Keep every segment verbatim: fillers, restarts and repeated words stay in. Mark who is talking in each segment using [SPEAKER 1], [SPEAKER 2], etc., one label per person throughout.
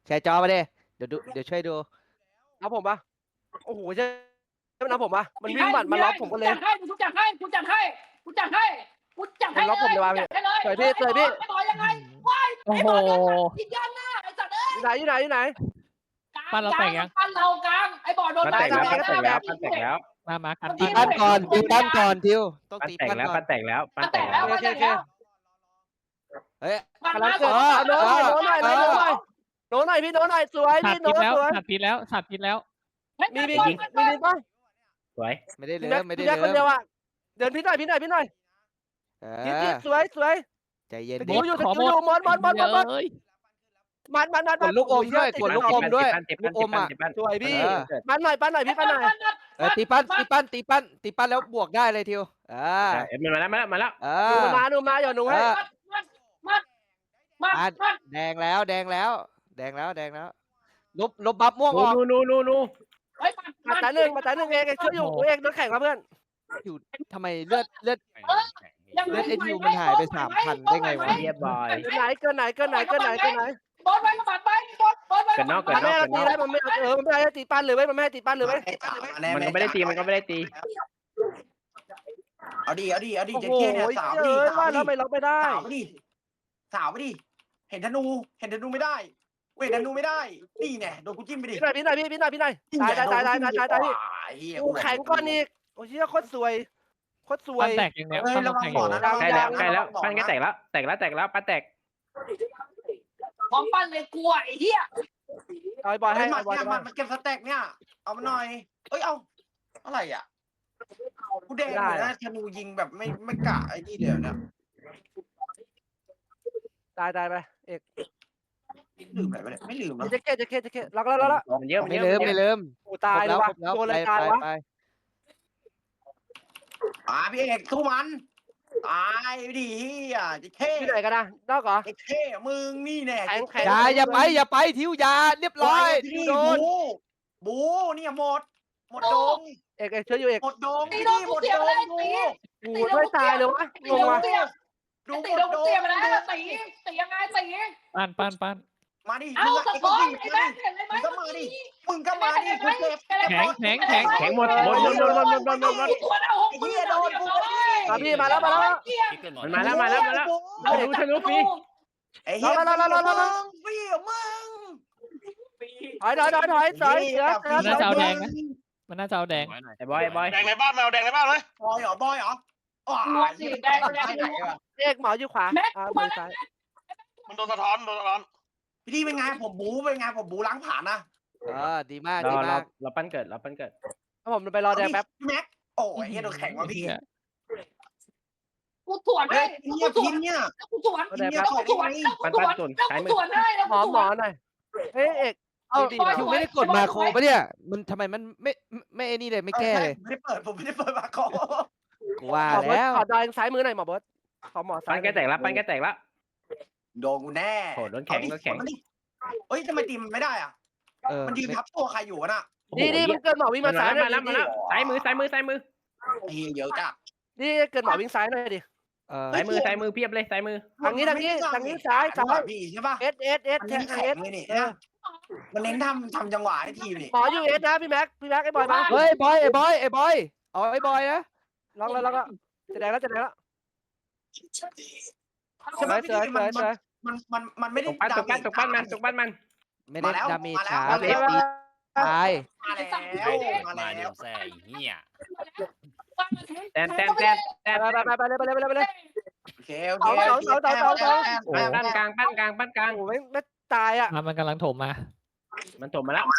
[SPEAKER 1] แชร์จอมาดิเดี๋ยวดูเดี๋ยวช่วยดู
[SPEAKER 2] เอาผมปะโอ้โหใช่ใช่ไหมนะผมปะมันวิ่งบัดมาล็อกผมก็เลย
[SPEAKER 3] จัดให้กูจัดให้กูจัดให้กูจัดให้กูจัดให้
[SPEAKER 2] มันล็อกผมเลยว่ะ
[SPEAKER 3] จัดให้เลย
[SPEAKER 2] สวยพี่สวยพี่
[SPEAKER 3] ไอ้บอยยังไงว้าย
[SPEAKER 4] โอ้
[SPEAKER 3] ไอ้
[SPEAKER 4] โห
[SPEAKER 3] บอยยันหน้ายิงยันหน้าไอ้สัตว์เอ้ย
[SPEAKER 2] อยู่ไหนอยู่ไหนอยู่ไหน
[SPEAKER 4] ปั้นเราแต่งยัง
[SPEAKER 3] ปั้นเรากลางไอ้บอยโดน
[SPEAKER 5] ปั้นแตกแล้วปั้นแตกแล้วปั้นแตกแล้ว
[SPEAKER 4] มามากัน
[SPEAKER 1] ตีปั้นก่อนตีปั้นก่อนทิวต้อง
[SPEAKER 5] ปั้น
[SPEAKER 1] ตี
[SPEAKER 5] แตก
[SPEAKER 1] ปั้น
[SPEAKER 5] แล้ว
[SPEAKER 1] ก่อ
[SPEAKER 5] ปั้
[SPEAKER 1] น
[SPEAKER 5] นแตกแล้วปั้
[SPEAKER 3] ปั้
[SPEAKER 5] น
[SPEAKER 3] น
[SPEAKER 5] แต
[SPEAKER 3] แต
[SPEAKER 5] ก
[SPEAKER 3] ก
[SPEAKER 5] แล้
[SPEAKER 3] แล้ว วปั้นแตกแล้ว
[SPEAKER 1] เฮ้ย
[SPEAKER 3] ปั้น
[SPEAKER 2] กำลัง
[SPEAKER 3] มา
[SPEAKER 2] เกิด
[SPEAKER 3] สอง
[SPEAKER 2] เอาโน้ตหน่อยโน้ตหน่อยโน้ตหน่อยโน้ตหน่อยพี่โน้ตหน่อยสวย
[SPEAKER 4] สั
[SPEAKER 2] พี่
[SPEAKER 4] ตว์พิ
[SPEAKER 2] โน้
[SPEAKER 4] ษ
[SPEAKER 2] ต
[SPEAKER 4] แล้ว
[SPEAKER 2] สวย
[SPEAKER 4] สัตว์พิษแล้วสัตว์พิษแล้ว
[SPEAKER 2] มีมีมีมีปะ
[SPEAKER 5] สวย
[SPEAKER 1] ไม่ได้
[SPEAKER 2] พี่
[SPEAKER 1] เลิ
[SPEAKER 2] แม็ก
[SPEAKER 1] มไม่ได้
[SPEAKER 2] พี่แม็กคน
[SPEAKER 1] เลิ
[SPEAKER 2] เดีย
[SPEAKER 1] ม
[SPEAKER 2] วอ่ะเดินพี่หน่อยพี่หน่อยพี่หน่อย
[SPEAKER 1] เอ
[SPEAKER 2] พี่
[SPEAKER 1] อ
[SPEAKER 2] พี่สวยสวย
[SPEAKER 1] ใจเย็น
[SPEAKER 2] ส
[SPEAKER 1] ดิ
[SPEAKER 2] กิลอยู่สกิลอยู่มอนมอนมอนมอนมอน
[SPEAKER 4] เอ้ย
[SPEAKER 2] มันมันมัน
[SPEAKER 1] กดลูกอมด้วยกดลูกอมด้วย
[SPEAKER 5] เจ็บ
[SPEAKER 1] ลู
[SPEAKER 5] ปั้น
[SPEAKER 1] กอ
[SPEAKER 5] เจ็บ
[SPEAKER 1] ม
[SPEAKER 5] ปั้น
[SPEAKER 1] อ่ะ
[SPEAKER 5] เจ็บปั้น
[SPEAKER 2] สวยพี่
[SPEAKER 1] เออ
[SPEAKER 2] ปั้นหน่อยปั้นหน่อยพี่ปั้นหน่อย
[SPEAKER 1] เออตีปั้นตีปั้นตีปั้นตีปั้นแล้วบวกได้เลยทิวอ่า
[SPEAKER 5] เอ็มมาแล้วมาแล้วมาแล้ว
[SPEAKER 1] เอ
[SPEAKER 2] ดู
[SPEAKER 1] อ
[SPEAKER 2] มาดูมาอย่าหนูให้
[SPEAKER 3] มัดมัดมัดมัด
[SPEAKER 1] แดงแล้วแดงแล้วแดงแล้วแดงแล้วลบลบบัฟม่วงออก
[SPEAKER 5] นูนูนูนู
[SPEAKER 3] เฮ้ย
[SPEAKER 2] มาแต่หนึ่งมาแต่หนึ่งเองช่วยอยู่เองโดนแข่งมาเพื่อน
[SPEAKER 1] อยู่ทำไมเลือดเลือด
[SPEAKER 3] ยัง
[SPEAKER 1] เลือดไอ้ทิวมันหายไปสามพันได้ไงวะ
[SPEAKER 5] เรียบร้อย
[SPEAKER 2] เกินไหนเกินไหนเกินไหนเกินไหนเกินไหน
[SPEAKER 3] บอลไว้กระบาดไปบอลบอลไว้
[SPEAKER 5] เกินนอกเกิ
[SPEAKER 2] มัน นไม่ให้ตีได้มันไม่เออมันไม่ให้ตีปั้นเลยเว้ยมันไม่ให้ตีปั้นเลยเว้ย
[SPEAKER 5] มันก็ไม่ได้ตีมันก็ไม่ได้ตี
[SPEAKER 6] เอาดิเอาดิเอาดิ
[SPEAKER 2] โอ้
[SPEAKER 6] เจ๊
[SPEAKER 2] โห
[SPEAKER 6] เก้เนี่ยสาว
[SPEAKER 2] เจ
[SPEAKER 6] ดิ
[SPEAKER 2] อ
[SPEAKER 6] สา
[SPEAKER 2] ว่าว
[SPEAKER 6] ดิ
[SPEAKER 2] แล้วไม่ล็อกไม่ได้
[SPEAKER 6] สาวดิสาวดิเห็นธนูเห็นธนูไม่ได้เว้ยธนูไม่ได้นี่แน่โดนกูจิ้มไปดิ
[SPEAKER 2] พี่หน่อยพี่หน่อยพี่พี่หน่อยพี่หน่อยตายตายตายตายตายตายตายพี่กูแข็งก้อนอีกโอ้ยโคตรสวยโคตรสว
[SPEAKER 4] ปั้
[SPEAKER 2] ย
[SPEAKER 4] นแตกยังไง
[SPEAKER 6] เฮ้ย
[SPEAKER 4] ปั้น
[SPEAKER 6] ระวัง
[SPEAKER 4] แตก
[SPEAKER 6] หมอนะ
[SPEAKER 5] ใกล้แล้วใกล้แล้วปั้นก็แตกแล้วแตกแล้วแตกแล้วปั้นแตก
[SPEAKER 3] ของปั้นเลยกลัวไอ้เหี้ย
[SPEAKER 2] เอาบอลให้
[SPEAKER 6] เฮ้ยมัน
[SPEAKER 2] บอล
[SPEAKER 6] เนี่ยมันมันเก็บสแต็กเนี่ยเอามาหน่อยเอ้ยเอาอะไรอ่ะกูแดงอยู่นะธนูยิงแบบไม่ไม่กะไอ้นี่เดียวเนี่ย
[SPEAKER 2] ตายตายไปเอก
[SPEAKER 6] ลืมอะไรไปเนี่ยไม่ลืมนะ
[SPEAKER 2] เจ๊เก้เจ๊เก้เจ๊เก้ล็อกแล้วล็อกแล้ว
[SPEAKER 5] มันเยอะมัน
[SPEAKER 1] ไม่
[SPEAKER 5] เยอะ
[SPEAKER 1] เลิมไม่เลิม
[SPEAKER 2] โอ้ตายเลยวะ
[SPEAKER 1] ครบแล้ว
[SPEAKER 2] โดน
[SPEAKER 1] ค
[SPEAKER 2] อะไร
[SPEAKER 1] รบ
[SPEAKER 2] ตา
[SPEAKER 1] แล้ว
[SPEAKER 2] ยวะ
[SPEAKER 1] ไปไป
[SPEAKER 6] อ่าพี่เอกสู้มันตายไปดิเฮียเจ๊เก้
[SPEAKER 2] ที่ไหนกันนะนอกเหรอ
[SPEAKER 6] เจ๊เก้มึงนี่แน่
[SPEAKER 2] แข็งแข็ง
[SPEAKER 1] อย่าอย่าไปอย่าไปทิวอย่าเรียบร้อยทิว
[SPEAKER 6] นี่
[SPEAKER 1] โดน
[SPEAKER 6] บูบูเนี่ยหมดหมดดง
[SPEAKER 2] เอกเอกช่วยอยู่เอก
[SPEAKER 6] หมดดง
[SPEAKER 3] ตี
[SPEAKER 6] นี่
[SPEAKER 3] โดน
[SPEAKER 6] หม
[SPEAKER 3] กู
[SPEAKER 6] ด
[SPEAKER 3] เสีย
[SPEAKER 6] ด
[SPEAKER 3] ไป
[SPEAKER 6] ง
[SPEAKER 3] แล้ว
[SPEAKER 6] ดู
[SPEAKER 3] ตี
[SPEAKER 2] โอ้โหช่วยตายเลยวะง
[SPEAKER 3] ตี
[SPEAKER 2] ง
[SPEAKER 3] โดน
[SPEAKER 2] วะ
[SPEAKER 3] กูเสีย
[SPEAKER 6] ดู
[SPEAKER 3] ตี
[SPEAKER 6] หม
[SPEAKER 3] โด
[SPEAKER 6] ด
[SPEAKER 3] น
[SPEAKER 6] ด
[SPEAKER 3] กู
[SPEAKER 6] ง
[SPEAKER 3] เสียไปแล้วตีตียังไงตี
[SPEAKER 4] ปั้นปั้นปั้น
[SPEAKER 6] มาดิ
[SPEAKER 3] เอา
[SPEAKER 6] มึง
[SPEAKER 3] สะ
[SPEAKER 6] ไอ้
[SPEAKER 3] ท้อน
[SPEAKER 6] วิ่ง
[SPEAKER 3] ไอ้
[SPEAKER 6] มา
[SPEAKER 3] แม่
[SPEAKER 6] ดิ
[SPEAKER 3] เห็นเลยไหม
[SPEAKER 6] มึงก็มาดิมึงก็มาดิกูเจ็บ
[SPEAKER 4] แข็งแข็งแข็ง
[SPEAKER 5] แข็งหมดหมดหมดหมดหมดหมดหมดหมดหมด
[SPEAKER 3] ตัวเอาหกมือโดนกู
[SPEAKER 2] มาพี่มาแล้วมาแล้ว
[SPEAKER 5] มันมาแล้วมาแล้วมาแล้วธนูธนูฟรี
[SPEAKER 6] ไอ้เหี้ย
[SPEAKER 2] รอรอรอรอรอรอ
[SPEAKER 6] มึงพี่มึง
[SPEAKER 2] ถอยถอยถอยถอยถอยเสือเสือ
[SPEAKER 4] มันน่าจะเอาแดงนะมันน่าจะเอาแดง
[SPEAKER 5] ไอ้บอยไอ้บอย
[SPEAKER 7] แดงในบ้านแมวแดงในบ้านไหม
[SPEAKER 6] บอยเหรอบอยเหรออ๋อ
[SPEAKER 3] รวมสิแดงแดง
[SPEAKER 6] ไหนวะ
[SPEAKER 2] เอกหมออยู่ขวาอ่ามือซ้าย
[SPEAKER 7] มันโดนสะท้อนโดนสะท้อน
[SPEAKER 6] พี่ดีเป็นไงผมบูเป็นไงผมบูล้างผ่านนะ
[SPEAKER 1] เออดีมาก
[SPEAKER 5] เรา
[SPEAKER 1] ดี
[SPEAKER 5] เรา
[SPEAKER 1] มาก
[SPEAKER 5] เราปั้นเกิดเราปั้นเกิด
[SPEAKER 2] ถ้าผมไปรอแดงแป๊บ
[SPEAKER 6] พี่แม็กโอ้ยเฮียโดนแข็งว่ะพี่
[SPEAKER 3] กูสวน
[SPEAKER 6] เฮ้
[SPEAKER 3] ให้
[SPEAKER 6] ยเฮียพินเนี่ย
[SPEAKER 3] กูสวนแล้วกูสวนแล้วกูสวนแล้วกูสวนให้แล้ว
[SPEAKER 2] หมอหมอหน่อยเฮ้ยเอก
[SPEAKER 1] เอาทิวไม่ได้กดมาโคปะเนี่ยมันทำไมมันไม่ไม่ไอ้นี่เลยไม่แก้เลย
[SPEAKER 6] ไม่ได้เปิดผมไม่ได้เปิดมาคอ
[SPEAKER 1] กูว่า
[SPEAKER 2] หมอเบิร์
[SPEAKER 1] แล้ว
[SPEAKER 2] ขอดอยซ้ายมือหน่อยหมอเบิร์ขอหมอซ้า
[SPEAKER 5] ปั้
[SPEAKER 2] ย
[SPEAKER 5] นก็แตกแล้วปั้นก็แตกแล้ว
[SPEAKER 6] โดนกูแน่
[SPEAKER 5] โหโดนแข็งโดนแข็ง
[SPEAKER 6] เฮ้ยทำไมตีมันไม่ได้อ่ะ
[SPEAKER 1] เออ
[SPEAKER 6] มันยืนทับตัวใครอยู่วะน่ะ
[SPEAKER 2] นี่นี่มันเกินหมอวิ่ง
[SPEAKER 5] มา
[SPEAKER 2] มาซ้ายหน่
[SPEAKER 5] แล้
[SPEAKER 2] อ
[SPEAKER 5] วย มาแล้วมาแล้วซ้ายมือซ้ายมือซ้ายมือ
[SPEAKER 6] เฮียเยอะจ้ะ
[SPEAKER 2] นี่เกินหมอวิ่งซ้ายหน่อยดิ
[SPEAKER 1] เออ
[SPEAKER 5] ซ้ายมือซ้ายมือเพียบเลยซ้ายมือ
[SPEAKER 2] ทางนี้ทางนี้ทางนี้ซ้ายซ้าย
[SPEAKER 6] พี่ใช่ป่ะ
[SPEAKER 2] เอสเอสเอส
[SPEAKER 6] มัน
[SPEAKER 2] แท
[SPEAKER 6] เน้
[SPEAKER 2] ง
[SPEAKER 6] น
[SPEAKER 2] เอ
[SPEAKER 6] แข็
[SPEAKER 2] ส
[SPEAKER 6] งเลยนี่มันเน้นทำทำจังหวะให้ทีมนี่
[SPEAKER 2] หมออยู่เอสนะพี่แม็กพี่แม็กไอ้บอยมา
[SPEAKER 1] เฮ้ยบอยไอ้บอยไอ้บอยเอาไอ้บอยนะ
[SPEAKER 2] ลองแล้วลองแล้วจะแดงแล้วจะแดงแล้ว
[SPEAKER 6] ใช่
[SPEAKER 2] ส
[SPEAKER 6] ไหม
[SPEAKER 2] วย
[SPEAKER 6] พี่
[SPEAKER 2] สวยส
[SPEAKER 6] มั
[SPEAKER 2] วย
[SPEAKER 6] น
[SPEAKER 2] สวย
[SPEAKER 6] มันมันมันไม่
[SPEAKER 5] ต
[SPEAKER 6] ได้
[SPEAKER 5] กปั้นตกปั้นตกปั้นมันตกปั้นมัน
[SPEAKER 1] ไม่ได้ดาเมจช้า
[SPEAKER 6] มา
[SPEAKER 1] เอ
[SPEAKER 6] แล้ว
[SPEAKER 1] ฟตีตาย
[SPEAKER 6] มาแล้วมา
[SPEAKER 7] มา
[SPEAKER 6] แล้
[SPEAKER 7] เดี๋ยว วแซ่เหี้ย
[SPEAKER 5] แตนแตนแตนแตน
[SPEAKER 2] ไปไปไปไปเลยไปเลยไปเลยไปเลย
[SPEAKER 6] โอเคโอเค
[SPEAKER 5] ปั้นกลางปั้นกลางปั้นกลาง
[SPEAKER 2] โอ้โหไม่ไม่ตายอ่ะ
[SPEAKER 4] มามันกำลังโถมมา
[SPEAKER 5] มันถมมาแล้ว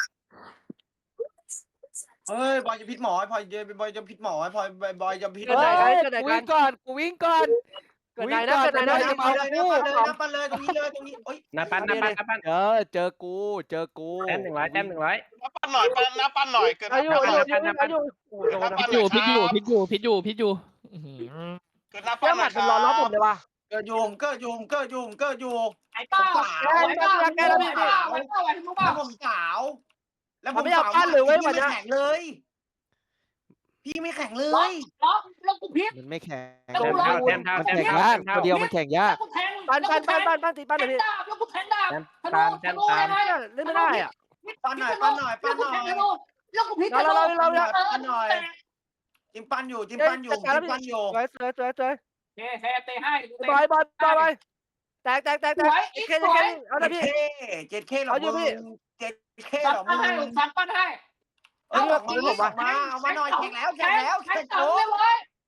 [SPEAKER 6] เฮ้ยบอยจะพิษหมอพอยจะบอยจะพิษหมอพอยบอยจะพิษ
[SPEAKER 1] เฮ้ยกูวิ่งก่อนกูวิ่งก่อน
[SPEAKER 2] เกิดไหนนะเกิดไหน
[SPEAKER 6] เล
[SPEAKER 2] นะ
[SPEAKER 6] ย
[SPEAKER 2] จะมา
[SPEAKER 6] เลย
[SPEAKER 2] คู่
[SPEAKER 6] เลยนับไปเลยตรงนี้เลยตรงนี้โอ้ย
[SPEAKER 5] หน้าปั้นหน้าปั้นหน้าปั้น
[SPEAKER 1] เออเจอกูเจอกู
[SPEAKER 5] แต้มหนึ่งร้อยแต้มหนึ่งร้อย
[SPEAKER 7] นับปั้นหน่อยปั้นนับปั้นหน่อยเกิน
[SPEAKER 2] อายุอายุอายุอายุโอ้โหโดน
[SPEAKER 4] พิษอยู่พิษอยู่พิษอยู่พิษอยู่พิษอยู่อื้อหือ
[SPEAKER 7] เกินนับ
[SPEAKER 2] แก้
[SPEAKER 7] ปั้น
[SPEAKER 2] ห
[SPEAKER 7] หน่
[SPEAKER 2] มั
[SPEAKER 7] อ
[SPEAKER 2] ด
[SPEAKER 7] ยค
[SPEAKER 2] มัน
[SPEAKER 7] รับ
[SPEAKER 2] รอรับผมเลยว่ะ
[SPEAKER 6] เกิดยุงเกิดยุงเกิดยุงเกิดยุง
[SPEAKER 3] ไอ้ป้าไอ้ป้าไอ้ป้าไอ้ป้าไอ้ป้าไอ้
[SPEAKER 6] แล้วผมสาว แล้วผมแข็งเลย พี่พี่ไม่แข็งเล
[SPEAKER 3] ล็อก
[SPEAKER 6] ย
[SPEAKER 3] ล็อกแล้วกูพลิก
[SPEAKER 1] มันไม่แข็ง
[SPEAKER 3] แต้มเท่า
[SPEAKER 5] แต้มเท่า
[SPEAKER 1] มัน
[SPEAKER 5] แต้ม
[SPEAKER 1] แข่ง
[SPEAKER 5] เท่าย
[SPEAKER 1] าก
[SPEAKER 5] แต้มเท่า
[SPEAKER 1] ตัวเดียวมันแข่งยาก
[SPEAKER 3] แล้วกูแทง
[SPEAKER 2] ปั้นปั้นปั้นปั้นปั้นตีปั้น
[SPEAKER 3] แท
[SPEAKER 2] เลย
[SPEAKER 3] ง
[SPEAKER 2] พี่
[SPEAKER 3] ดาบแล้วกูแทงดาบ
[SPEAKER 5] แต้ม
[SPEAKER 3] ธนู
[SPEAKER 5] ตาม
[SPEAKER 3] ธ
[SPEAKER 5] แต้ม
[SPEAKER 3] นู
[SPEAKER 5] ตาม
[SPEAKER 3] อะไร
[SPEAKER 2] เล่นไม่ได้อ่ะ
[SPEAKER 6] ปั้นหน่อยปั้นหน่อยปั้นหน่อย
[SPEAKER 3] แล้วกูพลิก
[SPEAKER 2] เราเราเราเรา
[SPEAKER 6] ปั้นหน่อยจิ้มปั้นอยู่จิ้มปั้นอยู่จิ้มปั้นอยู่
[SPEAKER 2] สวยสวยสวยสวย
[SPEAKER 3] เท่เท่เตะให้
[SPEAKER 2] บอยบอยบอยบอยแตกแตกแตกแต
[SPEAKER 3] ส
[SPEAKER 2] ก
[SPEAKER 3] วย
[SPEAKER 2] อี
[SPEAKER 3] อี
[SPEAKER 2] ก
[SPEAKER 3] ก
[SPEAKER 2] เค
[SPEAKER 3] ส
[SPEAKER 2] จะ
[SPEAKER 3] ว
[SPEAKER 2] เค
[SPEAKER 3] ย
[SPEAKER 2] เอาละพี่
[SPEAKER 6] เจ็ดเคเจ็ดเคหรอ
[SPEAKER 2] เอาอยู่
[SPEAKER 6] มึ
[SPEAKER 2] พี่
[SPEAKER 6] งเจ็ดเค
[SPEAKER 3] สั
[SPEAKER 6] ห
[SPEAKER 3] บ
[SPEAKER 6] รอ
[SPEAKER 3] ปั้
[SPEAKER 6] มึ
[SPEAKER 3] นให้
[SPEAKER 6] ง
[SPEAKER 3] สับปั้นให้
[SPEAKER 6] เออออกมาออกมาเอามาหน่อยแข่งแล้วแข่งแล้ว
[SPEAKER 3] แข่
[SPEAKER 6] แข่
[SPEAKER 3] ง
[SPEAKER 6] ง
[SPEAKER 3] ต่อ
[SPEAKER 6] โต๊ะ
[SPEAKER 3] เลย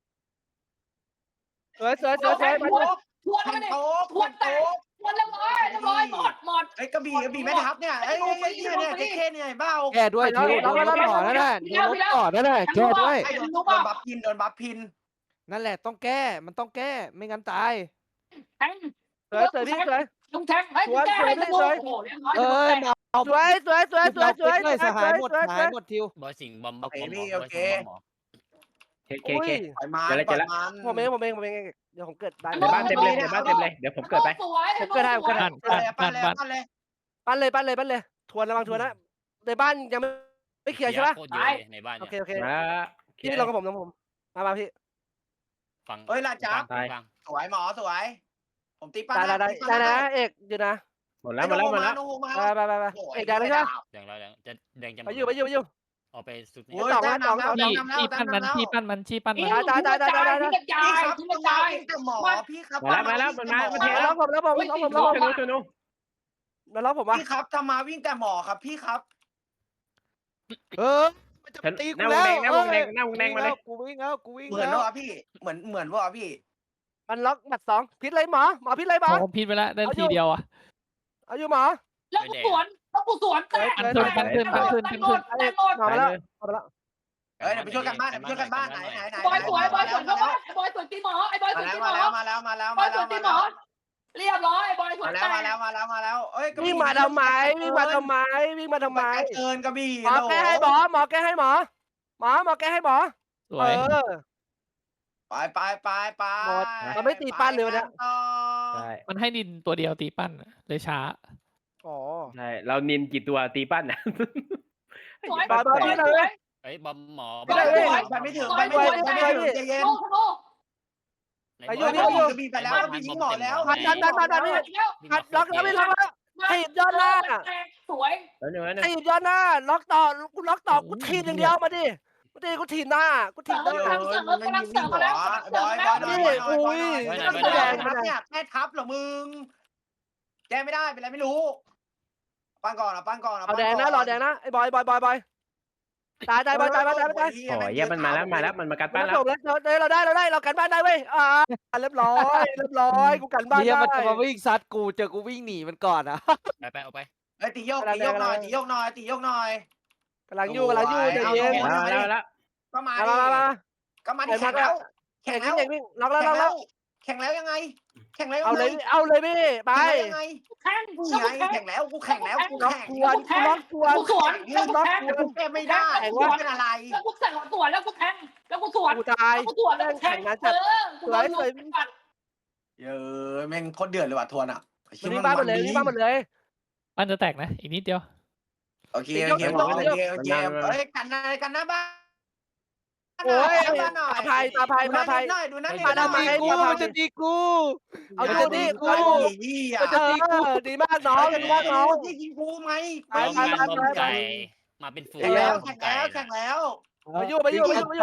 [SPEAKER 2] สวยสวยสวยสวยมา
[SPEAKER 3] ทวนทวน
[SPEAKER 6] แข่
[SPEAKER 3] มาง ดิ
[SPEAKER 6] โต๊ะ
[SPEAKER 3] ทวนแตกทวนเรียบร้อยเรียบร้อยหมดหมด
[SPEAKER 6] ไอ้กระบี่กระบี่แม่ทัพเนี่ยไอ้ไอ้เนี่ยเนี่ยเจ็ดเคเนี่ยเบ้า
[SPEAKER 1] แก้ด้วยทิวโดนลบก่อนนั่นแหละโดนลบก่อนนั่นแหละแก้ด้วย
[SPEAKER 6] ไอ้โดนโดนบัฟพินโดนบัฟพิน
[SPEAKER 1] นั่นแหละต้องแก้ มันต้องแก้ ไม่งั้นตาย
[SPEAKER 3] แทง
[SPEAKER 2] สวยสวยพี่สวย
[SPEAKER 3] ลุงแทงให้แก้ให้ธนูโอ้โหเรียบร้อย
[SPEAKER 1] เอ้ยมาเอา
[SPEAKER 2] สวยสวยสวยสวยสวย
[SPEAKER 1] เลยสหายหมดสหายหมดทิว
[SPEAKER 7] บอยสิงบอมบอม
[SPEAKER 6] โอเค
[SPEAKER 7] บอม
[SPEAKER 6] พี่
[SPEAKER 7] บ
[SPEAKER 6] โอ
[SPEAKER 7] อย
[SPEAKER 6] เค
[SPEAKER 7] สิงบอมหมอ
[SPEAKER 5] เคเค
[SPEAKER 2] อุ้
[SPEAKER 5] เค
[SPEAKER 2] ย
[SPEAKER 6] ปล่อยมัน
[SPEAKER 5] เดี๋ยว
[SPEAKER 6] ปล่
[SPEAKER 5] แล้
[SPEAKER 6] อ
[SPEAKER 5] วย
[SPEAKER 6] มัน
[SPEAKER 2] ผมเองผมเองผมเองเดี๋ยวผมเกิดบ้าน
[SPEAKER 5] ในบ้านเต็มเลยในบ้านเต็มเลยเดี๋ยวผมเกิดไป
[SPEAKER 3] สวย
[SPEAKER 2] ผมเกิดได้ผมเกิดได้
[SPEAKER 1] ปั้น
[SPEAKER 6] เลย
[SPEAKER 1] ปั้น
[SPEAKER 6] ปั้นเลย
[SPEAKER 1] ปั้น
[SPEAKER 6] ปั้นเลย
[SPEAKER 2] ปั้นเลยปั้นเลยปั้นเลยทวนระวังทวนนะในบ้านยังไม่ไม่เคลียร์ใช่ปะ
[SPEAKER 7] โคตรเยอะเลยในบ้าน
[SPEAKER 2] โอ
[SPEAKER 7] เนี่ย
[SPEAKER 2] เคโอเค
[SPEAKER 5] มา
[SPEAKER 2] พี่ลงกับผมลงกับผมมามาพี่
[SPEAKER 7] ฟัง
[SPEAKER 6] เฮ้ยลาจับ
[SPEAKER 7] ฟัง
[SPEAKER 6] สวยหมอสวย ผมตีปั้น
[SPEAKER 2] ได้ได้ได้ได้นะเอกเดี๋ยวนะ
[SPEAKER 5] หมดแล้วหมดแล้วหมดแล้ว
[SPEAKER 2] ไปไปไปไปเอกได้แล้วใช่ปะ
[SPEAKER 7] แดงแล้วแดงจะแดงจะ
[SPEAKER 2] ไปอยู่ไปอยู่ไปอยู่
[SPEAKER 7] ออกไปสุดนี้
[SPEAKER 6] โอ้ยได้นำแล้ว
[SPEAKER 4] ชี้
[SPEAKER 6] นำแล้ว
[SPEAKER 4] ชี้ปั้นมันชี้ปั้นมันชี้ปั้นมัน
[SPEAKER 2] ตายตายตายตายตาย
[SPEAKER 3] ทิ้งกระจา
[SPEAKER 6] พี่
[SPEAKER 3] ย
[SPEAKER 6] ครับ
[SPEAKER 3] ทิ้ง
[SPEAKER 6] ต้
[SPEAKER 3] ก
[SPEAKER 6] อ
[SPEAKER 3] ระ
[SPEAKER 6] งมา
[SPEAKER 3] จาย
[SPEAKER 6] วิ่งกับหมอพี่ครับ
[SPEAKER 5] มาแล้วมาแล้วมันมามันเท
[SPEAKER 2] แล้
[SPEAKER 5] แล้ว ว
[SPEAKER 2] ผมแล้วผมแล้วผม
[SPEAKER 5] นู
[SPEAKER 2] แล้ว
[SPEAKER 5] ชนูชนู
[SPEAKER 2] แล้วผมว่า
[SPEAKER 6] พี่ครับทำมาวิ่งแต่หมอครับพี่ครับ
[SPEAKER 1] เออมันจะตี
[SPEAKER 5] ห
[SPEAKER 1] กู
[SPEAKER 5] น้าว
[SPEAKER 1] แล้
[SPEAKER 5] ง
[SPEAKER 1] ว
[SPEAKER 5] แดงหน้าวงแดงหน้าวงแดงมาเลย
[SPEAKER 1] กูวิ่งแล้วกูวิ่ง
[SPEAKER 6] เหมือน
[SPEAKER 1] แล้ว
[SPEAKER 6] ว่าพี่เหมือนเหมือนว่าพี่
[SPEAKER 2] มันล็อกบัตรสองพิษเลยหมอหมอพิษเลยหมอ
[SPEAKER 4] โอ้พิษไปแล้วได้ทีเดียวอ่ะ
[SPEAKER 2] เอาอยู่หมอ
[SPEAKER 3] แล้วกูสวนแล้วกูสวนแตก
[SPEAKER 2] ปั้นขึ้นปั้นขึ้นปั้นขึ้น
[SPEAKER 3] แตกหมดแตกหมด
[SPEAKER 2] หมอมาแล้วหมอมาแล้ว
[SPEAKER 6] เอ้ยเดี๋ยวไปช่วยกันบ้านเดี๋ยวไปช่วยกันบ้านไหนไหนไหน
[SPEAKER 3] บอยสวยบอยสวนเข้าบ้านไอ้บอยสวนตีหมอไอ้บอยส
[SPEAKER 6] มา
[SPEAKER 3] วน
[SPEAKER 6] แล้ว
[SPEAKER 3] ตีหม
[SPEAKER 6] มา
[SPEAKER 3] อ
[SPEAKER 6] แล้วมาแล้วมาแล้ว
[SPEAKER 3] บอ
[SPEAKER 6] มาย
[SPEAKER 3] ส
[SPEAKER 6] แล้ว
[SPEAKER 3] วนตี
[SPEAKER 6] มา
[SPEAKER 3] หม
[SPEAKER 6] แล้
[SPEAKER 3] อ
[SPEAKER 6] ว
[SPEAKER 3] เรียบร้อยบอยสว
[SPEAKER 6] มาน แล้
[SPEAKER 3] แต
[SPEAKER 6] วมาก แล้วมาแล้วมาแล้วเอ้ย
[SPEAKER 2] วิ่งมาทำไมวิ่งมาทำไมวิ่งมาทำไม
[SPEAKER 6] เกินกระบี่
[SPEAKER 2] หมอแก้ให้หมอหมอแก้ให้หมอหมอหมอแก้ให้หมอ
[SPEAKER 4] ส
[SPEAKER 2] เอ
[SPEAKER 4] วย
[SPEAKER 2] อ
[SPEAKER 6] ไปไปไปไป
[SPEAKER 2] หมดเราไม่ตีปั้นเลยวันเนี้ย
[SPEAKER 5] ใช่
[SPEAKER 4] มันให้นินตัวเดียวตีปั้นเลยช้า
[SPEAKER 2] อ๋อ
[SPEAKER 5] ใช่เรานินกี่ตัวตีปั้นนะ
[SPEAKER 3] สวย
[SPEAKER 2] บอยบอยพี่เลย
[SPEAKER 7] เอ้ยบอมหมอ
[SPEAKER 6] ไม่ได้ไปไม่ถึงไปไม่ถึงไปไม่ถึงใจเย็น
[SPEAKER 3] โอ้โห
[SPEAKER 6] ไปอยู่พี่อยู่กระบี่ไปแล้วกระบี่ยิงหมอแล้ว
[SPEAKER 2] ดันดันดันดันนี่หัดล็อกแล้วไม่ล็อกแล้วถีบยอดหน้า
[SPEAKER 3] สวย
[SPEAKER 5] แล้วหนึ่งแล้วหนึ่ง
[SPEAKER 2] ถีบยอดหน้าล็อกต่อกูล็อกต่อกูถีบอย่างเดียวมาดิมาดิกูถีบหน้ากูถีบหน้า
[SPEAKER 6] เออมันไม่ยิงหัวบอยบอยบอยบอยบอยเนี่ยแม่ทับเหรอมึงแกไม่ได้เป็นไรไม่รู้ปั้นก่อนอ่ะปั้นก่อนอ่ะ
[SPEAKER 2] เอาแดงนะรอแดงนะไอ้บอยบอยบอยบอยตายตายบอยตายบอยตายตาย
[SPEAKER 5] โอ้ยเยี่ยมันมาแล้วมาแล้วมันมากัด
[SPEAKER 2] บ้า
[SPEAKER 5] ปั้นแล้ว
[SPEAKER 2] จบแล้วเราได้เราได้เรากันบ้านได้เว้ยอ่าเรียบร้อยเรียบร้อยกูกันบ้าน
[SPEAKER 1] เฮีย
[SPEAKER 2] ได้
[SPEAKER 1] มันจะมาวิ่งซัดกูเจอกูวิ่งหนีมันก่อนอ่ะ
[SPEAKER 7] ไปไปเอาไป
[SPEAKER 6] เอ้ยตีโยกตีโยกหน่อยตีโยกหน่อยตีโยกหน่อย
[SPEAKER 2] กำลังยู่กำลังยู่ใจเย็น
[SPEAKER 5] แล้วแล้วแล้ว
[SPEAKER 6] ก็มา
[SPEAKER 2] มามามา
[SPEAKER 6] ก็มาดิแข่งแล้วแข่
[SPEAKER 2] แข่
[SPEAKER 6] ง
[SPEAKER 2] ง
[SPEAKER 6] แล้ว
[SPEAKER 2] วิ่งวิ่งล็อกแล้วล็อกแล้ว
[SPEAKER 6] แข่งแล้วยังไง แข่งแล้ว
[SPEAKER 2] เอาเลยเอาเลยพี่ไป
[SPEAKER 6] ยังไง
[SPEAKER 3] แข่ง
[SPEAKER 6] กูไงแข่งแล้วกูแข่งแล้วกู
[SPEAKER 2] ล็อก
[SPEAKER 6] แข่ง
[SPEAKER 2] กวนกูล็อกกวน
[SPEAKER 3] กูสวนแล้วกู
[SPEAKER 2] ล็อก
[SPEAKER 3] แข่ง
[SPEAKER 2] กวน
[SPEAKER 6] แก้ไม่ได้กูเป็นอะไร
[SPEAKER 3] แล้วกูสั่งสวนแล้วกูแข่งแล้วกูสวน
[SPEAKER 2] กูตาย
[SPEAKER 3] กูสวนแล้วกูแข่งเออกูโดนลุมปัด
[SPEAKER 6] เยอะแม่งโคตรเดือดเลยว่ะทวนอ่ะ
[SPEAKER 2] มันนี่บ้านหมดเลยนี่บ้านหมดเลย
[SPEAKER 4] ปั้นจะแตกนะ อีกนิดเดียว
[SPEAKER 6] โอเคโอเคโอเคโอเคเฮ้ยกันนะกันนะบ้าน
[SPEAKER 2] โอ้ย
[SPEAKER 6] บ้านหน่อย
[SPEAKER 2] ตาภัยตาภัยตาภัย
[SPEAKER 6] หน่อยดูนะ
[SPEAKER 2] มาทำไม
[SPEAKER 1] กูมันจะตีกู
[SPEAKER 2] เอา
[SPEAKER 6] เอา
[SPEAKER 2] จะ
[SPEAKER 6] ดี
[SPEAKER 2] ดี
[SPEAKER 6] กู
[SPEAKER 2] กู
[SPEAKER 6] ดีอ่ะ
[SPEAKER 2] จะดีกูดีมากน้องดีมากน้อง
[SPEAKER 6] ที่ยิงกูไหม
[SPEAKER 2] ไป
[SPEAKER 7] เอา
[SPEAKER 2] ไป
[SPEAKER 7] งาน
[SPEAKER 2] ไป
[SPEAKER 7] บอม
[SPEAKER 2] ไป
[SPEAKER 7] ไก่มาเป็นฝูง
[SPEAKER 6] แข่งแล้ว
[SPEAKER 7] บอ
[SPEAKER 6] แข่
[SPEAKER 7] ม
[SPEAKER 6] ง
[SPEAKER 7] ไก่
[SPEAKER 6] แล้วแข่งแล้ว
[SPEAKER 2] ไปอยู่ไปอยู่ไปอยู่ไปอยู่
[SPEAKER 1] ไป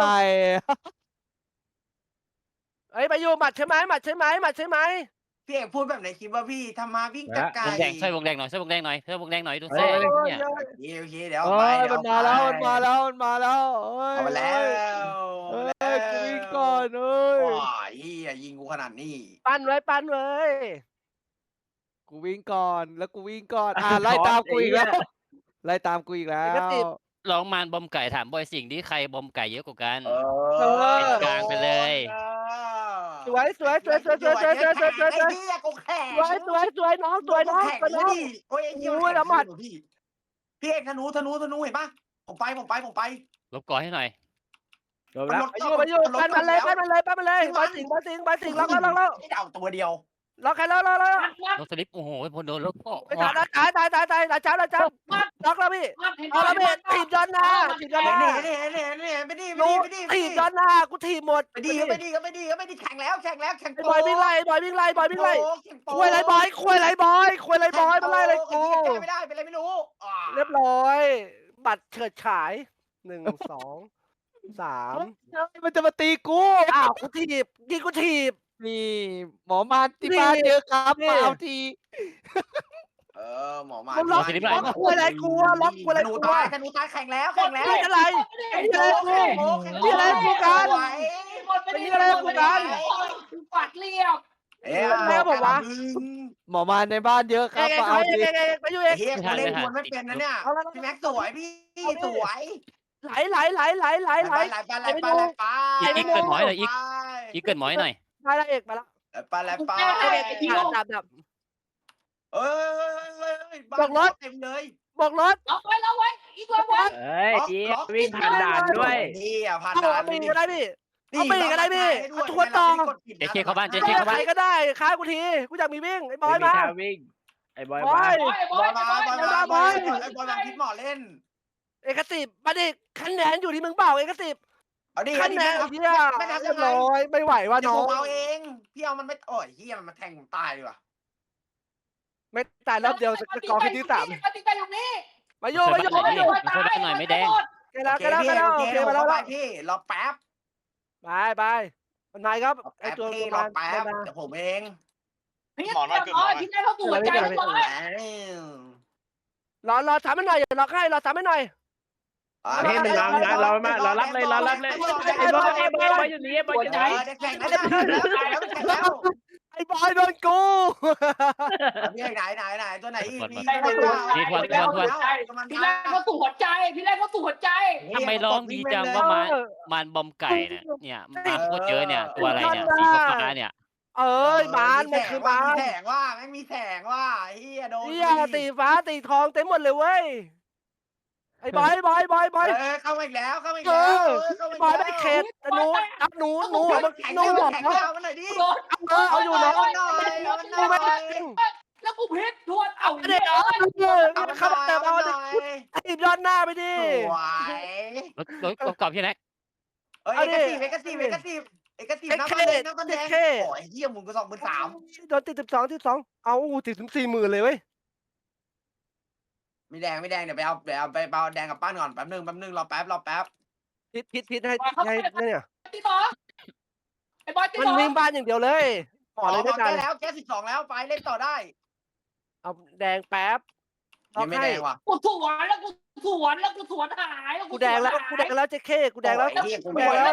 [SPEAKER 2] เอ้ยไปอยู่หมัดใช่ไหมหมัดใช่ไหมหมัดใช่ไหม
[SPEAKER 6] พี่เอกพูดแบบไหนคิดว่าพี่ทำมาวิ่งจากไกล
[SPEAKER 7] วงแดงช่วยวงแดงหน่อยช่วยวงแดงหน่อยช่วยวงแดงหน่อยดู
[SPEAKER 2] โอ้
[SPEAKER 7] เซ่
[SPEAKER 2] ย
[SPEAKER 7] เนี่ย
[SPEAKER 6] โอเคเดี๋ยว
[SPEAKER 1] เอ้
[SPEAKER 6] ไป
[SPEAKER 1] ย
[SPEAKER 6] เดี๋ยว
[SPEAKER 1] มันมาแล้วมันมาแล้วมันมาแล้วเอ้ย
[SPEAKER 6] เอามาแล้ว
[SPEAKER 1] เอ้ยกูวิ่งก่อนเอ้ย
[SPEAKER 6] ว้าเฮียยิงกูขนาดนี้
[SPEAKER 2] ปั้นไว้ปั้นไว้
[SPEAKER 1] กูวิ่งก่อนแล้วกูวิ่งก่อนอ่าไล่ตามกูอีกแล้วไล่ตามกูอีกแล้ว
[SPEAKER 7] ลองมานบอมไก่ถามบอยสิ่งที่ใครบอมไก่เยอะกว่ากัน
[SPEAKER 6] เออ
[SPEAKER 7] กลางไปเลย
[SPEAKER 2] สวยสวยสวยสวยสวยสวยสวยสวยสวยสวย
[SPEAKER 6] ไอ้เฮียกูแข่ง
[SPEAKER 2] สวยสวยสวยน้องสวยน้อง
[SPEAKER 6] แข่ง
[SPEAKER 2] สวยน้อง
[SPEAKER 6] ดิโอ้ยไอ้เหี้ย
[SPEAKER 2] โอ้ยละหมัด
[SPEAKER 6] พี่พี่เอกธนูธนูธนูเห็นปะผมไปผมไปผมไป
[SPEAKER 7] ลบก่อนให้หน่อย
[SPEAKER 5] จบแล้ว
[SPEAKER 2] ไปอยู่ไปอยู่ปั้นมันเลยปั้นมันเลยปั้นมันเลยบอลสิงบอลสิงบอลสิงล็อกแล้วล็อกแล้ว
[SPEAKER 6] ไอ้เดาตัวเดียว
[SPEAKER 2] ล็อกใครแล้วล็อกแล้ว
[SPEAKER 3] มัดมัด
[SPEAKER 7] ลบสลิปโอ้โหพอโดนลบก็
[SPEAKER 2] ไปตายตายตายตายตายตายจ้าตายจ้า
[SPEAKER 3] มัด
[SPEAKER 2] ตล็อกแล้วพี่เอาแล้วพี่ถีบย้อนหน้าถีบย้อนหน้า
[SPEAKER 6] เนี่ยเนี่ยเนี่ยเนี่ยไม่ดีไม่
[SPEAKER 2] รู้
[SPEAKER 6] ดีไม่ดีไม่
[SPEAKER 2] ถี
[SPEAKER 6] ดี
[SPEAKER 2] บย้อนหน้ากูถีบหมด
[SPEAKER 6] ไม่ดีก็ไม่ดีก็ไม่ดีก็ไม่ดีแข่งแล้วแข่งแล้วแข่ง
[SPEAKER 2] ไอ้บอยวิ่งไล่บอยวิ่งไล่บอยวิ่งไล่
[SPEAKER 6] แข่งโป
[SPEAKER 2] คุยไรบอยคุยไรบอยคุยไรบอยมาไล่ไรกู
[SPEAKER 6] แก้ไม่ได้เป็นไรไม่รู้
[SPEAKER 2] เรียบร้อย บัตรเฉิดฉายหนึ่งสองสาม
[SPEAKER 1] มันจะมาตีกู
[SPEAKER 2] อ้าวกูถีบยิงกูถีบ
[SPEAKER 1] นี่หมอมาที่บ้านเยอะครับ
[SPEAKER 2] นี่
[SPEAKER 1] มาเอาที
[SPEAKER 6] เออหมอมา
[SPEAKER 2] มึงล็อกล็อกคุยไรกูอะล็อกคุยไร
[SPEAKER 6] ธนู
[SPEAKER 2] กู
[SPEAKER 6] ตาย
[SPEAKER 2] อะ
[SPEAKER 6] ธนูตายแข่งแล้วแข่งแล้ว
[SPEAKER 2] นี่อะไรนี่อะไรกูนี่อะไรกูกัน นี่อะไรกูกัน
[SPEAKER 3] ปัดเรียบ
[SPEAKER 6] เอ๊ะ
[SPEAKER 2] แล้วบอกว่า
[SPEAKER 1] หมอมาในบ้านเยอะค
[SPEAKER 2] เอ
[SPEAKER 1] รับ
[SPEAKER 2] ง
[SPEAKER 1] มา
[SPEAKER 2] เอ
[SPEAKER 1] เอา
[SPEAKER 2] ง
[SPEAKER 1] ที
[SPEAKER 2] เองเองไปอยู่เอง
[SPEAKER 6] เฮียกูเล่นมวนไม่เป็นนะเนี่ยพี่แม็กสวยพี่สวย
[SPEAKER 2] ไหลไหลไหลไหลไหลไหล
[SPEAKER 6] ไปไปไปไปไป
[SPEAKER 7] อีกอีกเกินหมอยหน่อยอีกอีกเกินหมอยหน่อย
[SPEAKER 2] มาแล้วเอกมาแล้ว
[SPEAKER 6] ไปไปไป
[SPEAKER 2] ดับดับ
[SPEAKER 6] เอ้ยเต็มเลย
[SPEAKER 2] บอกรถ
[SPEAKER 3] ล็อกไว้ล็อกไว้อีกล็อกไว้
[SPEAKER 5] เอ้ยเจี๊ยบวิ่งผ่านด่านด้วย
[SPEAKER 6] นี่อ่ะผ่าน
[SPEAKER 2] เอา
[SPEAKER 6] ด่าน
[SPEAKER 2] ปีก็ได้พี่เอาปีก็ได้พี่เอาทวนต่อ
[SPEAKER 7] เจเคเข้าบ้านเจ
[SPEAKER 2] ใค
[SPEAKER 7] เคเข้าบ้าน
[SPEAKER 2] รก็ได้ค้ากูทีกูอยากมีวิ่งไอ้บอ
[SPEAKER 5] ไม่
[SPEAKER 2] ย
[SPEAKER 5] มี
[SPEAKER 2] มา
[SPEAKER 5] ทางวิ่งไอ้บอย
[SPEAKER 2] บอ
[SPEAKER 5] มาย
[SPEAKER 6] บอลมาบอลมาบอลไอ้บอลแบบคิดหมอเล่น
[SPEAKER 2] เอกสิบมาดิคะแนนอยู่ที่มึงเปล่าเอกสิบ
[SPEAKER 6] เอาดิ
[SPEAKER 2] คะแนนเฮีย
[SPEAKER 6] ไม่นับ
[SPEAKER 2] เรี
[SPEAKER 6] ยั
[SPEAKER 2] ยบ
[SPEAKER 6] งไง
[SPEAKER 2] ร้อยไม่ไหวว่า
[SPEAKER 6] เดี๋ยว
[SPEAKER 2] น้
[SPEAKER 6] ผ
[SPEAKER 2] อง
[SPEAKER 6] มเอาเองพี่เอามันไม่โอ้ยเฮียมันมาแทงผมตายดีกว่า
[SPEAKER 2] ไม่ตายรอบเดียวสกอร์แค่ที่สาม
[SPEAKER 3] ปฏิบัติอยู่นี่
[SPEAKER 2] มาโยมาโยมาโย
[SPEAKER 7] ช่วยบ้านหน่อยไม่แดง
[SPEAKER 2] แกแล้วแกแล้วแกแล้วโอเคมาแล้ว
[SPEAKER 6] ไปพี่รอแป๊บ
[SPEAKER 2] ไปไปนายครับไอ
[SPEAKER 6] แป๊บ
[SPEAKER 2] ตัว
[SPEAKER 6] พี่
[SPEAKER 2] ตัว
[SPEAKER 6] รอ
[SPEAKER 2] มัน
[SPEAKER 6] แป๊บ
[SPEAKER 2] มา
[SPEAKER 6] เดี๋ยวผมเอง
[SPEAKER 3] พี่หมอน้อยขึ้นหมอพี่ได้เข้าสู่หัวใจแล้วหมอ
[SPEAKER 2] รอรอถามมันหน่อยรอให้รอถามมันหน่อย
[SPEAKER 5] เฮ้ยมันมานะเรามารอรับเลยรอรับเลยไอ้บอยไอ้บอยบอยอยู่นี่บอยอยู่ไหน
[SPEAKER 6] แข่งแล้วตายแล้วแข่งแล้ว
[SPEAKER 2] ไอ้บอยโดนกู
[SPEAKER 6] พี่ไหนไหนไหนตัวไหนอีก
[SPEAKER 3] พี่แรกเข้าสู่หัวใจพี่แรกเข้าสู่หัวใจ
[SPEAKER 7] ทำไมร้องดีจังว่ามามันบอมไก่เนี่ยเนี่ยมาโคตรเยอะเนี่ยตัวอะไรเนี่ยสีฟ้าเนี่ย
[SPEAKER 2] เอ้ยบานมันคือบาน
[SPEAKER 6] แสงว่าไม่มีแสงว่าเฮียโดน
[SPEAKER 2] เฮียตีฟ้าตีทองเต็มหมดเลยเว้ยไอ้บอยบอยบอยบอย
[SPEAKER 6] เออเข้ามาอีกแล้วเข้ามาอีก
[SPEAKER 2] เอ
[SPEAKER 6] แล้ว
[SPEAKER 2] อบอยไม่เข็ดหนูอับหนูหนูมัน
[SPEAKER 6] แข่ง
[SPEAKER 2] หนูบอก
[SPEAKER 6] แข่ง
[SPEAKER 2] เขา
[SPEAKER 6] เอามันหน่อยดิ
[SPEAKER 2] เออเอาอยู่เนาะ
[SPEAKER 6] หน่อยเอามันห
[SPEAKER 2] กู
[SPEAKER 6] น่
[SPEAKER 2] ไม่
[SPEAKER 6] อย
[SPEAKER 2] จริง
[SPEAKER 3] แล้วกูเพชรทวนเอา
[SPEAKER 2] เด็ก
[SPEAKER 3] เอ้ย
[SPEAKER 2] เออ
[SPEAKER 6] เอามันห
[SPEAKER 2] เข้า
[SPEAKER 6] น่อย
[SPEAKER 2] แต่
[SPEAKER 6] เอา
[SPEAKER 2] บอ
[SPEAKER 6] มัน
[SPEAKER 2] ล
[SPEAKER 6] หน่อย
[SPEAKER 2] ถีบย้อนหน้าไปดิ
[SPEAKER 6] สวย
[SPEAKER 7] รถรถกรอบพี่แน็ก
[SPEAKER 6] เอ้ยเอกซีฟเอกซีฟเอกซีฟเอกซีฟน้ำมันแดงน้ำมันแดงโอ้ยเฮียมึงก็สองหมื่นสาม
[SPEAKER 2] โดนติดสิบสองที่สองเอาติดถึงสี่หมื่นเลยเว้ย
[SPEAKER 6] ไม่แดงไม่แดงเดี๋ยวไปเอาเดี๋ยวเอาไปเอาแดงกับป้านก่อนแป๊บนึงแป๊บนึงรอแป๊บรอแป๊บ
[SPEAKER 2] พิษพิษพิษให้ให้เนี่ย
[SPEAKER 3] ตีต่อไอ้บอยตี
[SPEAKER 2] มัน
[SPEAKER 3] ต่อ
[SPEAKER 2] วิ่งบ้านอย่างเดียวเลยหมอเลยไม่
[SPEAKER 6] แก้
[SPEAKER 2] ได้
[SPEAKER 6] แล้วแก้สิบสองแล้วไปเล่นต่อได้
[SPEAKER 2] เอาแดงแป๊บ
[SPEAKER 6] ยังไม่แดงว่ะ
[SPEAKER 3] กูสวนแล้วกูสวนแล้วกูสวนหายแล้ว
[SPEAKER 2] กูแดงแล้วกูแดงแล้วเจ๊เข้กูแดงแล้ว
[SPEAKER 6] เฮียกูไม่แล้ว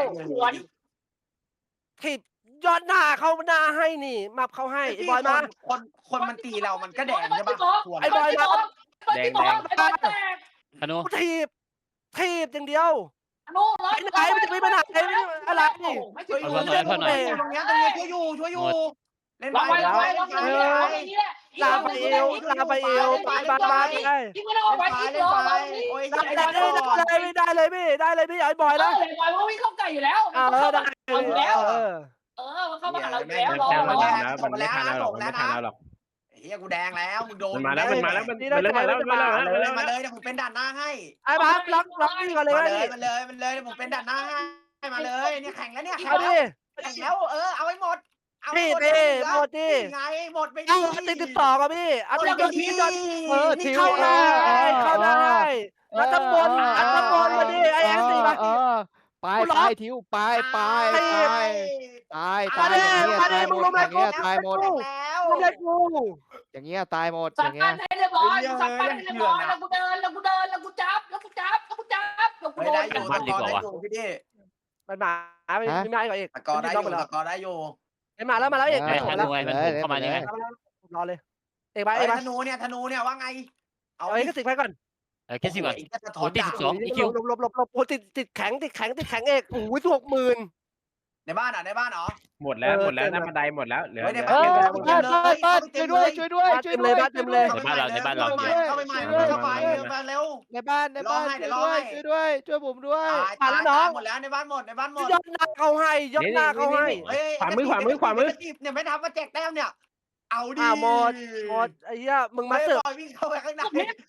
[SPEAKER 2] ถีบยอดหน้าเขาหน้าให้นี่มับเขาให้ไอ้บอยมา
[SPEAKER 6] คนคนมันตีเรามันก็แดงใช่ปะ
[SPEAKER 2] ไอ้บอยมา
[SPEAKER 3] แดงแดงไอ้บอยแตก
[SPEAKER 7] ธนู
[SPEAKER 2] กูถีบถีบอย่างเดียว
[SPEAKER 3] อนุร้อย
[SPEAKER 2] ไปไหนมันจะไปไหนอะไรนี่
[SPEAKER 3] ไม่
[SPEAKER 6] ช่วย
[SPEAKER 3] ช่
[SPEAKER 6] อ
[SPEAKER 3] วย
[SPEAKER 6] ยู่
[SPEAKER 3] ช่วย
[SPEAKER 6] ตรงนี้ตรงนี้ช่วยอยู่ช่วยอยู่เล่น
[SPEAKER 3] ล็อกไว้ล็อก
[SPEAKER 6] ไป
[SPEAKER 3] ไว้ล็อกไว้ล็อกไว้นี่แหละ
[SPEAKER 2] ลาไปเอวลาไปเอวไปบ้านบ้านได้
[SPEAKER 3] ยิงไม่ได้เอาไว้ยิง
[SPEAKER 6] เล่น
[SPEAKER 3] รอ
[SPEAKER 6] ไป
[SPEAKER 3] เรา
[SPEAKER 6] โอ้ย
[SPEAKER 2] ได้ได้ได้ได้เลยพี่ได้เลยพี่ไอ้บอย
[SPEAKER 3] แล้
[SPEAKER 2] นะ
[SPEAKER 3] วไอ้บอยว่าวิ่งเข้าไก่อยู่แล้ว
[SPEAKER 2] เออได้
[SPEAKER 3] เอาอยู่แล้ว
[SPEAKER 2] เออ
[SPEAKER 3] เออมันเข้ามาหาเราอยู่แล้วรอ
[SPEAKER 5] แจ้งมัน
[SPEAKER 3] รอ
[SPEAKER 5] แล้วมันไม่ทันเราหรอกมันไม่ทันเราหรอก
[SPEAKER 6] เฮียกูแดงแล้วมึงโดน
[SPEAKER 5] มันมาแล้วมันมาแล้วมันมันเริ่มมาแล้วมันมาแล้ว
[SPEAKER 6] มา
[SPEAKER 5] มัน
[SPEAKER 6] เลย
[SPEAKER 5] เริ่ม
[SPEAKER 6] มา
[SPEAKER 5] มา
[SPEAKER 6] เล
[SPEAKER 5] แล้ว
[SPEAKER 6] ยเดี๋ยวผมเป็นด่านหน้าให้
[SPEAKER 2] ไอ้บ้าล็อกล็อกนี่ก่อนเลย
[SPEAKER 6] มา
[SPEAKER 2] นะ
[SPEAKER 6] เล
[SPEAKER 2] นี่
[SPEAKER 6] ยมาเลยมาเลยเดี๋ยวผมเป็นด่านหน้าให้มาเลยเนี่ยแข่งแล้วเนี่ยแข่ง
[SPEAKER 2] เอา
[SPEAKER 6] แล้
[SPEAKER 2] ดิ
[SPEAKER 6] วแข่งแล้วเออเอาให้หมดเอาให้
[SPEAKER 2] พี่
[SPEAKER 6] หมด
[SPEAKER 2] พี่หมดดิ
[SPEAKER 6] ไงหมดไป
[SPEAKER 2] เอาติดติดต่อกับพี่เอาติดติดติด
[SPEAKER 1] เออทิว
[SPEAKER 2] เข้า
[SPEAKER 1] เอ
[SPEAKER 2] ได้
[SPEAKER 1] อ
[SPEAKER 2] เข้าได้แล้วตำบลอัดตำบลมาดิไอ้แอนสี่มา
[SPEAKER 1] เออไปไปทิวไปไปไปตายตายอย่างเงี้ยตายหมดอย่างเงี้ยตายหมด
[SPEAKER 6] แล้ว
[SPEAKER 2] ไม่ได้กู
[SPEAKER 1] อย่างเงี้ยตายหมดอ
[SPEAKER 3] สั่ง
[SPEAKER 1] ย่าง
[SPEAKER 3] กา
[SPEAKER 1] เงี้
[SPEAKER 3] ร
[SPEAKER 1] ย
[SPEAKER 3] ให้เรียบร้อยสั่งการให้เรียบร้อยแล้วกูเดินแล้วกูเดินแล้วกูจับแล้วกูจับแล้วกูจับแล้วกู
[SPEAKER 6] ไม่
[SPEAKER 3] โด
[SPEAKER 6] ได้
[SPEAKER 3] น
[SPEAKER 6] อยู่ตะกอได้อยู่พี่ดิ
[SPEAKER 2] มันมาไม่ไม่ไม่ก่อนเอก
[SPEAKER 6] ตะกอได้อยู่ตะกอได้อยู่
[SPEAKER 2] ไอ้มาแล้วมาแล้วเอก
[SPEAKER 7] ไอ้ธนูไอ้มันพุ่งเข้ามานี่ไง
[SPEAKER 2] รอเลยเอกไป
[SPEAKER 6] ไอ้
[SPEAKER 2] เอกไป
[SPEAKER 6] ธนูเนี่ยธนูเนี่ยว่าไง
[SPEAKER 2] เอา
[SPEAKER 6] เอา
[SPEAKER 2] ไอ้ก็ติดไปก่อน
[SPEAKER 7] เออแค่สิบก่อน
[SPEAKER 6] จะถ
[SPEAKER 7] โอ้
[SPEAKER 6] อน
[SPEAKER 7] ติด
[SPEAKER 6] ดา
[SPEAKER 7] สิบสองอีคิว
[SPEAKER 2] หลบหลบหลบหลบโอ้ติดติดแข็งติดแข็งติดแข็งเอกโอ้ยหกหมื่น
[SPEAKER 6] ในบ้านอ่ะในบ้านเหรอ
[SPEAKER 5] หมดแล้วหมดแล้วน้ำบันไดหมดแล้วเหลือ
[SPEAKER 1] เออเปิดเปิดเปิดช่วยด้วยช่วยด้วยช่วยด้วยช่วยด้วย
[SPEAKER 6] เข้าไปใหม่เข้าไปใหม่เข้าไปมาเร็ว
[SPEAKER 1] ในบ้านในบ้านช่วยด้วยช่วยด้วยช่วยผมด้วย
[SPEAKER 6] ตายตายหมดแล้วในบ้านหมดในบ้านหมด
[SPEAKER 2] ยอดหน้าเขาให้ยอดหน้าเขาให้
[SPEAKER 6] เนี่ยไม่ทำมาแจกแต้มเนี่ยเอาดิ
[SPEAKER 2] อ่าหมดหมดไอ้เหี้ยมึงมาเสิร์ฟ
[SPEAKER 6] วิ่งเข้าไปข้างใน
[SPEAKER 3] แล้ว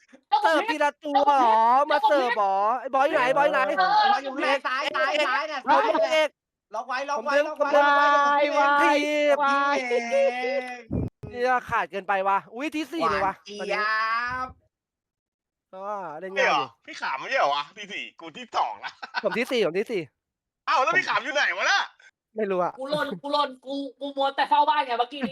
[SPEAKER 2] เสิร์ฟทีละตัวเหรอมาเสิร์ฟเหรอไอ้บอยอยู่ไหนบอยไหน
[SPEAKER 6] เราอยู่ในซ้ายซ้ายซ้ายเนี่ย
[SPEAKER 2] บอยเอก
[SPEAKER 6] ล็อกไว้ล็อก
[SPEAKER 2] ผม
[SPEAKER 6] ไว้
[SPEAKER 2] ดึง
[SPEAKER 6] ล็อก
[SPEAKER 2] ผม
[SPEAKER 6] ไว้
[SPEAKER 2] ดึง
[SPEAKER 6] ล็อกไว้
[SPEAKER 2] วายวาย
[SPEAKER 6] วา
[SPEAKER 2] าย
[SPEAKER 6] ย
[SPEAKER 2] เนี่ยขาดเกินไปวะอุ้ยที่สี่เลยวะ
[SPEAKER 6] เจี๊
[SPEAKER 2] ตอน
[SPEAKER 6] ย
[SPEAKER 2] นี้
[SPEAKER 6] บ
[SPEAKER 2] ก็เล่น
[SPEAKER 8] ไม่
[SPEAKER 2] ง่าย
[SPEAKER 8] เหร
[SPEAKER 2] อ
[SPEAKER 8] อยู่ พี่ขามไม่ใช่เหรอวะที่สี่กูที่สองละ
[SPEAKER 2] ผมที่สี่ผมที่สี่
[SPEAKER 8] อ้าวแล้วพี่ขามอยู่ไหนวะน่ะ
[SPEAKER 2] ไม่รู้อะ
[SPEAKER 3] กูหล่นกูหล่นกูกูมัวแต่เฝ้าบ้านไงเมื่อกี้นี้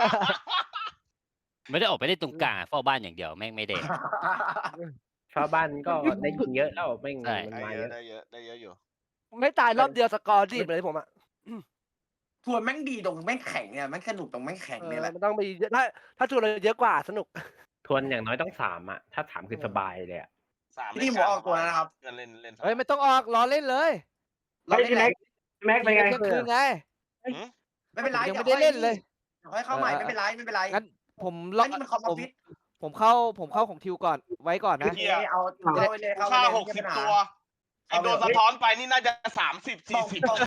[SPEAKER 7] ไม่ได้ออกไปเล่นตรงกลางอะเฝ้าบ้านอย่างเดียวแม่งไม่เด่น
[SPEAKER 5] ชาวบ้านก็ได้ยิงเยอะแล้วแม่ง
[SPEAKER 7] ใช่
[SPEAKER 5] มัน
[SPEAKER 8] ได้
[SPEAKER 5] มา
[SPEAKER 8] เย
[SPEAKER 5] เย
[SPEAKER 8] อะ
[SPEAKER 5] อะ
[SPEAKER 8] ได้เยอะได้เยอะอยู่
[SPEAKER 2] ไม่ตายรอบเดียวสกอร์รีบเลยผมอะ
[SPEAKER 6] ทวนแม่งดีตรงแม่งแข็งเนี่ยแม่งสนุกตรงแม่งแข็ง
[SPEAKER 2] เอ
[SPEAKER 6] เนี่ย
[SPEAKER 2] อ
[SPEAKER 6] แหละ
[SPEAKER 2] มันต้องมีเยอะถ้าถ้าจูนเราเยอะกว่าสนุก
[SPEAKER 5] ทวนอย่างน้อยต้องสามอ่ะถ้าสามคือสบายเลยอ่ะ
[SPEAKER 8] สาม
[SPEAKER 6] นี่ผมออกตัวแล้วนะครับ
[SPEAKER 8] เล่นเล่นเล่น
[SPEAKER 1] เฮ้ยไม่ต้องออกรอเล่นเลย
[SPEAKER 6] เราเล่นแหละ
[SPEAKER 5] แม็กเป็นไง
[SPEAKER 1] เที่ยงคืนไง
[SPEAKER 6] ไม่เป็นไร
[SPEAKER 1] ยัง
[SPEAKER 6] ดี๋
[SPEAKER 1] ไม่
[SPEAKER 6] ว
[SPEAKER 1] ได้เล่นเลย
[SPEAKER 6] ค่อยเข้าใหม่ไม่เป็นไรไม่เป็นไร
[SPEAKER 1] งั้นผมล็อก
[SPEAKER 6] นี่มันคอม
[SPEAKER 1] ผม
[SPEAKER 6] พิว
[SPEAKER 1] ผมเข้าผมเข้าของทิวก่อนไว้ก่อนนะ
[SPEAKER 6] เอเอาเข้าไปเลยเข้าไป
[SPEAKER 8] ค่า
[SPEAKER 6] เลย
[SPEAKER 8] หกสิบตัวไอโดนสะท้อนไปนี่น่าจะสามสิบสี่สิบ